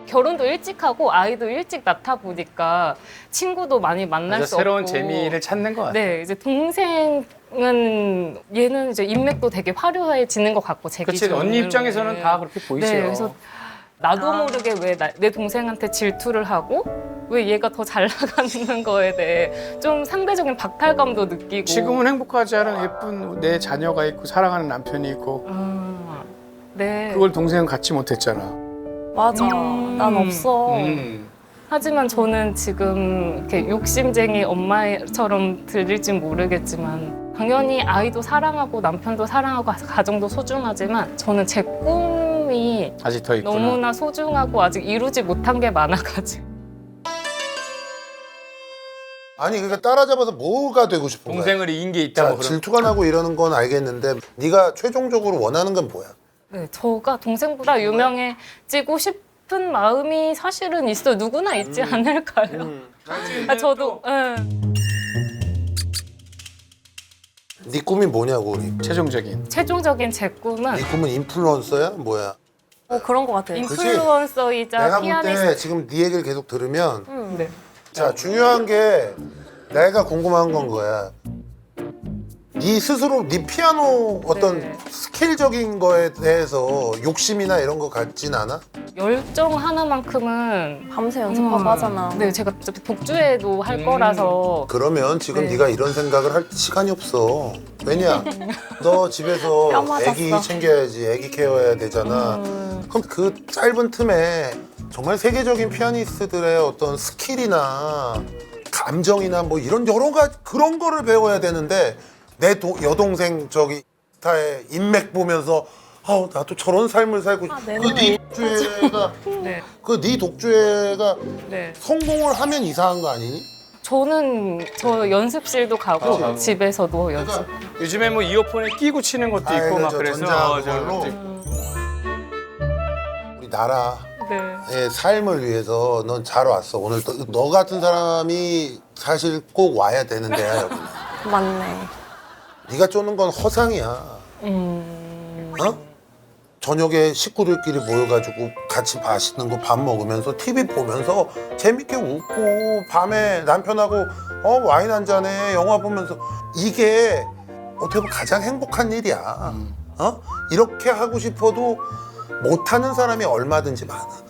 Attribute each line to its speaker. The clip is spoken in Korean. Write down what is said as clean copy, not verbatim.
Speaker 1: 결혼도 일찍 하고 아이도 일찍 낳다 보니까 친구도 많이 만날 수
Speaker 2: 새로운
Speaker 1: 없고.
Speaker 2: 재미를 찾는 것 같아요.
Speaker 1: 네, 이제 동생은 얘는 이제 인맥도 되게 화려해지는 것 같고 제
Speaker 2: 그치,
Speaker 1: 기준으로는.
Speaker 2: 언니 입장에서는 다 그렇게 보이죠.
Speaker 1: 네, 그래서 나도 모르게 왜 내 동생한테 질투를 하고 왜 얘가 더 잘 나가는 거에 대해 좀 상대적인 박탈감도 느끼고.
Speaker 2: 지금은 행복하지 않은 예쁜 내 자녀가 있고 사랑하는 남편이 있고
Speaker 1: 네.
Speaker 2: 그걸 동생은 갖지 못했잖아.
Speaker 3: 맞아. 난 없어.
Speaker 1: 하지만 저는 지금 이렇게 욕심쟁이 엄마처럼 들릴진 모르겠지만 당연히 아이도 사랑하고 남편도 사랑하고 가정도 소중하지만 저는 제 꿈이
Speaker 2: 아직 더 있구나.
Speaker 1: 너무나 소중하고 아직 이루지 못한 게 많아가지고.
Speaker 4: 아니 그러니까 따라잡아서 뭐가 되고 싶은 거야?
Speaker 2: 동생을 이긴 게
Speaker 4: 자,
Speaker 2: 있다고 그런.
Speaker 4: 질투가 나고 이러는 건 알겠는데 네가 최종적으로 원하는 건 뭐야?
Speaker 1: 네, 저가 동생보다 유명해지고 싶은 마음이 사실은 있어요. 누구나 있지 않을까요? 저도.
Speaker 4: 네 꿈이 뭐냐고 우리.
Speaker 2: 최종적인.
Speaker 1: 최종적인 제 꿈은
Speaker 4: 네 꿈은 인플루언서야? 뭐야?
Speaker 3: 그런 것 같아.
Speaker 1: 인플루언서이자
Speaker 4: 내가 볼 때
Speaker 1: 피아니스트.
Speaker 4: 지금 네 얘기를 계속 들으면
Speaker 1: 네.
Speaker 4: 자 중요한 게 내가 궁금한 건 거야. 네 스스로 네 피아노 어떤
Speaker 1: 네.
Speaker 4: 스킬적인 거에 대해서 욕심이나 이런 거 같진 않아?
Speaker 1: 열정 하나만큼은
Speaker 3: 밤새 연습하고 하잖아.
Speaker 1: 네, 제가 어차피 독주회도 할 거라서.
Speaker 4: 그러면 지금
Speaker 1: 네.
Speaker 4: 네가 이런 생각을 할 시간이 없어. 왜냐? 너 집에서
Speaker 3: 뼈 맞았어.
Speaker 4: 애기 챙겨야지, 애기 케어해야 되잖아. 그럼 그 짧은 틈에 정말 세계적인 피아니스트들의 어떤 스킬이나 감정이나 뭐 이런 여러 가지 그런 거를 배워야 되는데 내 여동생 저기 스타의 인맥 보면서 나도 저런 삶을 살고
Speaker 3: 내
Speaker 4: 네 독주회가
Speaker 1: 네.
Speaker 4: 그 네 독주회가
Speaker 1: 네.
Speaker 4: 성공을 하면 이상한 거 아니니?
Speaker 1: 저는 저 연습실도 가고
Speaker 4: 가고.
Speaker 1: 집에서도 연습.
Speaker 2: 요즘에 뭐 이어폰에 끼고 치는 것도 있고 막
Speaker 4: 저
Speaker 2: 그래서
Speaker 4: 전자
Speaker 2: 저-
Speaker 4: 그걸로 우리 나라의
Speaker 1: 네.
Speaker 4: 삶을 위해서 넌 잘 왔어. 오늘 너 같은 사람이 사실 꼭 와야 되는 데야 여기.
Speaker 3: 맞네.
Speaker 4: 네가 쫓는 건 허상이야. 어? 저녁에 식구들끼리 모여가지고 같이 맛있는 거 밥 먹으면서 TV 보면서 재밌게 웃고 밤에 남편하고 와인 한 잔에 영화 보면서 이게 어떻게 보면 가장 행복한 일이야. 이렇게 하고 싶어도 못하는 사람이 얼마든지 많아.